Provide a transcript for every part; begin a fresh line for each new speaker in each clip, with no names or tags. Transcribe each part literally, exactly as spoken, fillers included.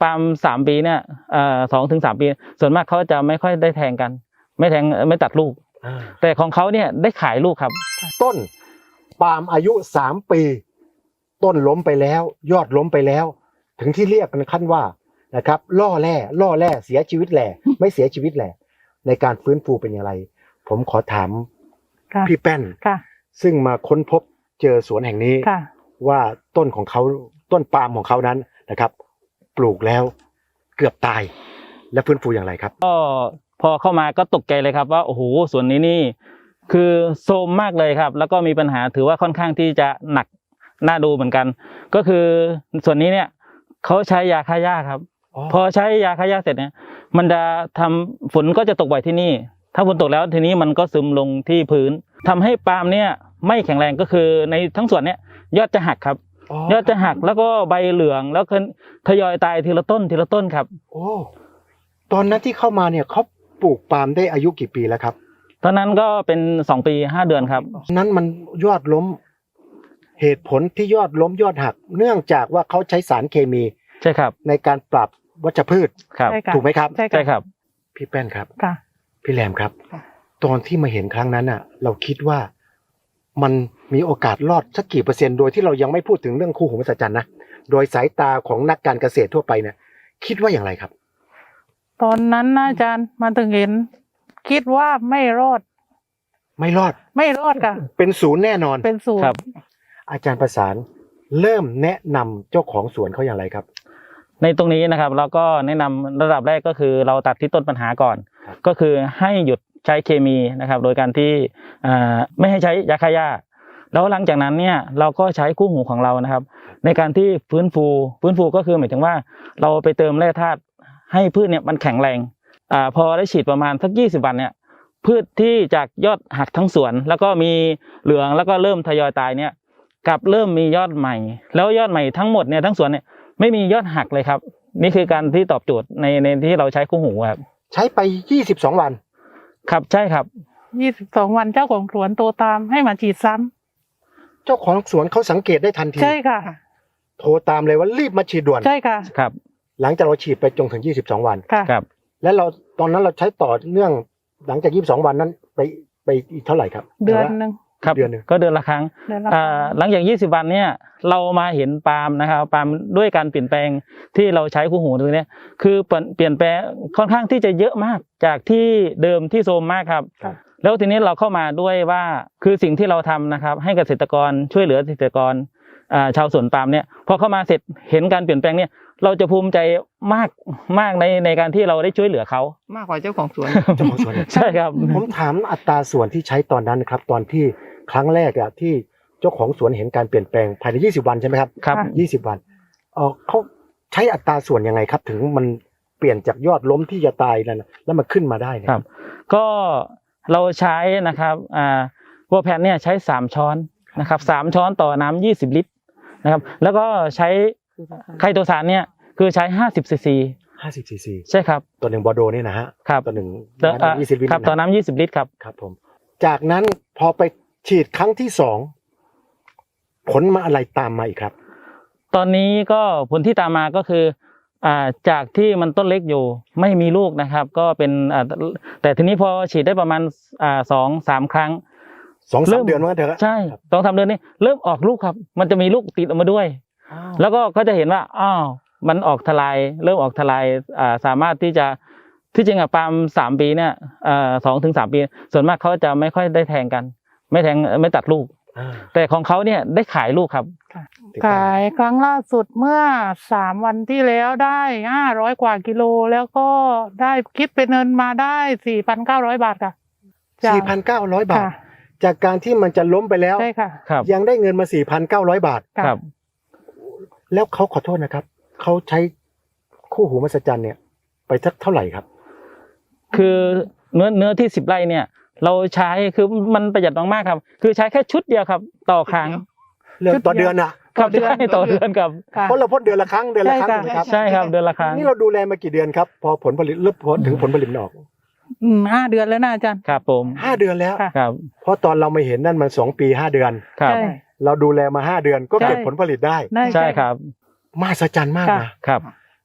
ปาล์มสามปีเนี่ยเอ่อสองถึงสามปีส่วนมากเขาจะไม่ค่อยได้แทงกันไม่แทงไม่ตัดลูกแต่ของเขาเนี่ยได้ขายลูกครับ
ต้นปาล์มอายุสามปีต้นล้มไปแล้วยอดล้มไปแล้วถึงที่เรียกกันขั้นว่านะครับล่อแร่ล่อแร่เสียชีวิตแหล่ไม่เสียชีวิตแหล่ในการฟื้นฟูเป็นอย่างไรผมขอถามพี่แป้นซึ่งมาค้นพบเจอสวนแห่งนี้ว่าต้นของเขาต้นปาล์มของเขานั้นนะครับปลูกแล้วเกือบตายและฟื้นฟูอย่างไรครับ
ก็พอเข้ามาก็ตกใจเลยครับว่าโอ้โหสวนนี้นี่คือโทรมมากเลยครับแล้วก็มีปัญหาถือว่าค่อนข้างที่จะหนักน่าดูเหมือนกันก็คือส่วนนี้เนี่ยเขาใช้ยาฆ่าหญ้าครับพอใช้ยาฆ่าหญ้าเสร็จเนี่ยมันจะทำฝนก็จะตกบ่อยที่นี่ถ้าฝนตกแล้วทีนี้มันก็ซึมลงที่พื้นทำให้ปาล์มเนี่ยไม่แข็งแรงก็คือในทั้งส่วนเนี้ยยอดจะหักครับยอดจะหักแล้วก็ใบเหลืองแล้วก็ทยอยตายทีละต้นทีละต้นครับ
โอ้ตอนนั้นที่เข้ามาเนี่ยเขาปลูกปาล์มได้อายุกี่ปีแล้วครับ
ตอนนั้นก็เป็นสองปีห้าเดือนครับ
นั้นมันยอดล้มเหตุผลที่ยอดล้มยอดหักเนื่องจากว่าเขาใช้สารเคมี
ใช่ครับ
ในการปรับวัชพืช
ครับ
ถูกไหมครับ
ใช่ครับ
พี่แป้นครับพี่แรมครับตอนที่มาเห็นครั้งนั้นอ่ะเราคิดว่ามันมีโอกาสรอดสักกี่เปอร์เซ็นต์โดยที่เรายังไม่พูดถึงเรื่องคู่หูมหัศจรรย์นะโดยสายตาของนักการเกษตรทั่วไปเนี่ยคิดว่าอย่างไรครับ
ตอนนั้นนะอาจารย์มาถึงเห็นคิดว่าไม่รอด
ไม่รอด
ไม่รอดค่ะ
เป็นศูนย์แน่นอน
เป็นศูนย์ครับ
อาจารย์ประสานเริ่มแนะนำเจ้าของสวนเขาอย่างไรครับ
ในตรงนี้นะครับเราก็แนะนำระดับแรกก็คือเราตัดที่ต้นปัญหาก่อนก็คือให้หยุดใช้เคมีนะครับโดยการที่ไม่ให้ใช้ยาฆ่าหญ้าแล้วหลังจากนั้นเนี่ยเราก็ใช้คู่หูของเรานะครับในการที่ฟื้นฟูฟื้นฟูก็คือหมายถึงว่าเราไปเติมแร่ธาตุให้พืชเนี่ยมันแข็งแรงอ่าพอได้ฉีดประมาณสักยี่สิบวันเนี่ยพืชที่จากยอดหักทั้งสวนแล้วก็มีเหลืองแล้วก็เริ่มทยอยตายเนี่ยกลับเริ่มมียอดใหม่แล้วยอดใหม่ทั้งหมดเนี่ยทั้งสวนเนี่ยไม่มียอดหักเลยครับนี่คือการที่ตอบโจทย์ในในที่เราใช้คู่หูครับ
ใช้ไปยี่สิบสองวัน
ครับใช่ครับ
ยี่สิบสองวันเจ้าของสวนโทรตามให้มาฉีดซ้
ำเจ้าของสวนเขาสังเกตได้ทันที
ใช่ค่ะ
โทรตามเลยว่ารีบมาฉีดด่วน
ใช่ค่ะ
ครับ
หลังจากเราฉีดไปจนถึงยี่สิบสองวัน
ครับ
และเราตอนนั้นเราใช้ต่อเนื่องหลังจากยี่สิบสองวันนั้นไปไปอีกเท่าไหร่ครับ
เดือนนึง
ครับเดือนนึงก็เดือนละครั้งอ่าหลังจากยี่สิบวันเนี่ยเรามาเห็นปาล์มนะครับปาล์มด้วยการเปลี่ยนแปลงที่เราใช้คู่หูตรงนี้คือเปลี่ยนแปลงค่อนข้างที่จะเยอะมากจากที่เดิมที่โทรมมากครับแล้วทีนี้เราเข้ามาด้วยว่าคือสิ่งที่เราทำนะครับให้เกษตรกรช่วยเหลือเกษตรกรอ่าชาวสวนปาล์มเนี่ยพอเข้ามาเสร็จเห็นการเปลี่ยนแปลงเนี่ยเราจะภูมิใจมากมากในในการที่เราได้ช่วยเหลือเขา
มากกว่าเจ้าของสวน
เจ้าของสวน
ใช่ครับ
ผมถามอัตราส่วนที่ใช้ตอนนั้นนะครับตอนที่ครั้งแรกอะที่เจ้าของสวนเห็นการเปลี่ยนแปลงภายในยี่สิบวันใช่ไหมครับ
ครับ
ยี่สิบวันเออเขาใช้อัตราส่วนยังไงครับถึงมันเปลี่ยนจากยอดล้มที่จะตายแล้วแล้วมันขึ้นมาได้เนี่ย
ครับก็เราใช้นะครับอ่าวัวแพนเนี่ยใช้สามช้อนนะครับสามช้อนต่อน้ำยี่สิบลิตรนะครับแล้วก็ใช้ไคโตซานเนี่ยคือใช้ห้าสิบซีซี
ห้าสิบซีซี
ใช่ครับ
ตัวหนึ่งบอโดนี่นะฮะ
ครับ
ตัวหนึ่ง
น้ำยี่สิบลิตรครับต่อน้ำยี่สิบลิตรครับ
ครับผมจากนั้นพอไปฉีดครั้งที่สองผลมาอะไรตามมาอีกครับ
ตอนนี้ก็ผลที่ตามมาก็คืออ่าจากที่มันต้นเล็กอยู่ไม่มีลูกนะครับก็เป็นอ่าแต่ทีนี้พอฉีดได้ประมาณอ่าสองสามครั้ง
สองสามเดือนว่าเถอะ
ใช่สองสามเดือนนี้เริ่มออกลูกครับมันจะมีลูกติดออกมาด้วยแล้วก็เขาจะเห็นว่าอ้าวมันออกทลายเริ่มออกทลายอ่าสามารถที่จะที่จริงอะปาล์มสามปีเนี่ยอ่าสองถึงสามปีส่วนมากเขาจะไม่ค่อยได้แทงกันไม่แทงไม่ตัดลูกแต่ของเขาเนี่ยได้ขายลูกครับ
ขายครั้งล่าสุดเมื่อสามวันที่แล้วได้ห้าร้อยกว่ากิโลแล้วก็ได้คิดเป็นเงินมาได้สี่พันเก้าร้อยบาทค่ะ
สี่พันเก้าร้อยบาทจากการที่มันจะล้มไปแล้ว
ใช่ค่ะ
ยังได้เงินมาสี่พันเก้าร้อยบาท
ครับ
แล้วเขาขอโทษนะครับเขาใช้คู่หูมหัศจรรย์เนี่ยไปสักเท่าไหร่ครับ
คือเนื้อเนื้อที่สิบไร่เนี่ยเราใช้คือมันประหยัดมากๆครับคือใช้แค่ชุดเดียวครับต่อครั้ง
เรื่องต่อเดือนอะ
ครับใช่ต่อเดือนครับ
เพราะเราพ่นเดือนละครั้งเดือนละครั้ง
ครับใช่ครับเดือนละครั้ง
นี่เราดูแลมากี่เดือนครับพอผลผลิตเริ่มถึงผลผลิตออก
อืมห้าเดือนแล้วนะอาจารย์
ครับผม
ห้าเดือนแล้ว
ครับ
เพราะตอนเราไม่เห็นนั่นมันสองปีห้าเดือน
ครับ
เราดูแลมาห้าเดือนก็เก็บผลผลิตได้
ใช่ครับ
มหัศจรรย์มากนะครับ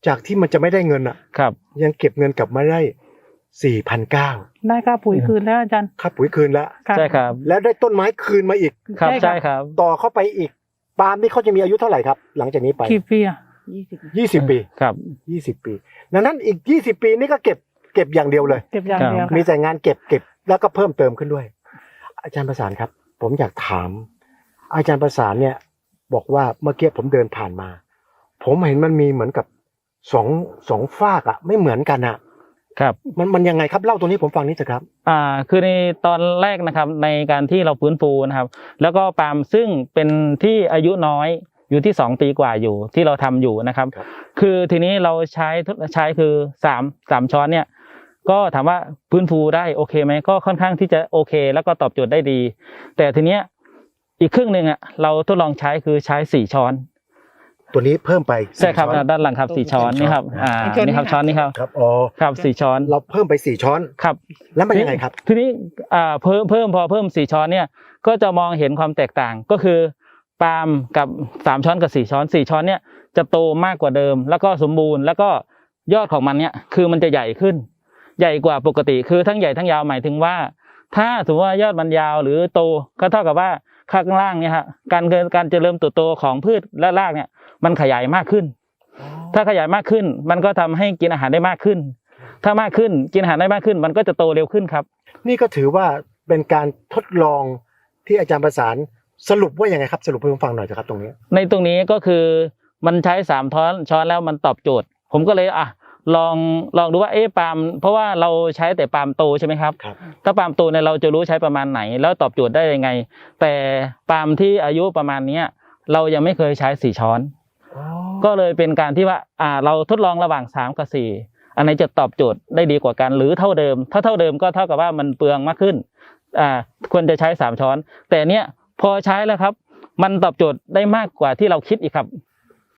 จากที่มันจะไม่ได้เงินอ่ะ
ครับ
ยังเก็บเงินกลับมาได้สี่พันเก้า
ได้ค่าปุ๋ยคืนแล้วอาจารย์
ค่าปุ๋ยคืนแล้ว
ะ
ใช่ครับ
แล้วได้ต้นไม้คืนมาอีก
ครับ
ใช่
ใช่
ค
ครับ รับ
ต่อเข้าไปอีกปาล์มนี่เขาจะมีอายุเท่าไหร่ครับ หลังจากนี้ไป
กี่ปีอะ
ยี่สิบ
ยี่สิบปี
ครับ
ยี่สิบปีดังนั้นอีกยี่สิบปีนี่ก็เก็บเก็บอย่างเดียวเลย
เก็บอย่างเดียว
มี
ค่ะ
แต่งานเก็บเก็บแล้วก็เพิ่มเติมขึ้นด้วย อาจารย์ประสานครับ ผมอยากถาม อาจารย์ประสานเนี่ย บอกว่าเมื่อกี้ผมเดินผ่านมา ผมเห็นมันมีเหมือนกับสองสองฝากอะไม่เหมือนกันอะ
ครับ
มันมันยังไงครับเล่าตรงนี้ผมฟังนิดเถอะครับ
อ่าคือในตอนแรกนะครับในการที่เราฟื้นฟูนะครับ แล้วก็ปาล์มซึ่งเป็นที่อายุน้อยอยู่ที่สองปีกว่าอยู่ที่เราทำอยู่นะครับ
ครับ
คือทีนี้เราใช้ใช้คือสามสามช้อนเนี่ยก็ถามว่าฟื้นฟูได้โอเคไหมก็ค่อนข้างที่จะโอเค แล้วก็ตอบโจทย์ได้ดี แต่ทีเนี้ยอีกครึ่งหนึ่งอ่ะเราทดลองใช้คือใช้สี่ช้อน
ตัวนี้เพิ่มไป
ใช่ครับ
ช้อน
ด้านหลังครับสี่ช้อนนี่ครับอ่านี่ครับช้อนนี่ครับ
ครับอ๋อ
ครับสี่ช้อน
เราเพิ่มไปสี่ช้อน
ครับ
แล้วมันยังไงครับ
ทีนี้อ่าเพิ่มเพิ่มพอเพิ่มสี่ช้อนเนี่ยก็จะมองเห็นความแตกต่างก็คือปาล์มกับสามช้อนกับสี่ช้อนสี่ช้อนเนี่ยจะโตมากกว่าเดิม แล้วก็สมบูรณ์แล้วก็ยอดของมันเนี่ยคือมันจะใหญ่ขึ้น ใหญ่กว่าปกติคือทั้งใหญ่ทั้งยาวหมายถึงว่า ถ้าสมมติว่ายอดมันยาวหรือโตก็เท่ากับว่าข้างล่างเนี่ยฮะการการเจริญเติบโตของพืชและรากเนี่ยมันขยายมากขึ้น ถ้าขยายมากขึ้น มันก็ทำให้กินอาหารได้มากขึ้น ถ้ามากขึ้นกินอาหารได้มากขึ้น มันก็จะโตเร็วขึ้นครับ
นี่ก็ถือว่าเป็นการทดลองที่อาจารย์ประสานสรุปว่ายังไงครับ สรุปให้ผมฟังหน่อยนะครับตรงนี้
ในตรงนี้ก็คือมันใช้สามช้อนช้อนแล้วมันตอบโจทย์ ผมก็เลยอ่ะลองลองดูว่าเอ๊ะปาล์มเพราะว่าเราใช้แต่ปาล์มโตใช่ไหมครับ
ครับ
ถ้าปาล์มโตเนี่ยเราจะรู้ใช้ประมาณไหน แล้วตอบโจทย์ได้ยังไง แต่ปาล์มที่อายุประมาณเนี้ยเรายังไม่เคยใช้สี่ช้อน ก็เลยเป็นการที่ว่าอ่าเราทดลองระหว่างสามกับสี่อันไหนจะตอบโจทย์ได้ดีกว่ากันหรือเท่าเดิมถ้าเท่าเดิมก็เท่ากับว่ามันเปลืองมากขึ้นอ่าควรจะใช้สามช้อน แต่เนี้ยพอใช้แล้วครับ มันตอบโจทย์ได้มากกว่าที่เราคิดอีกครับ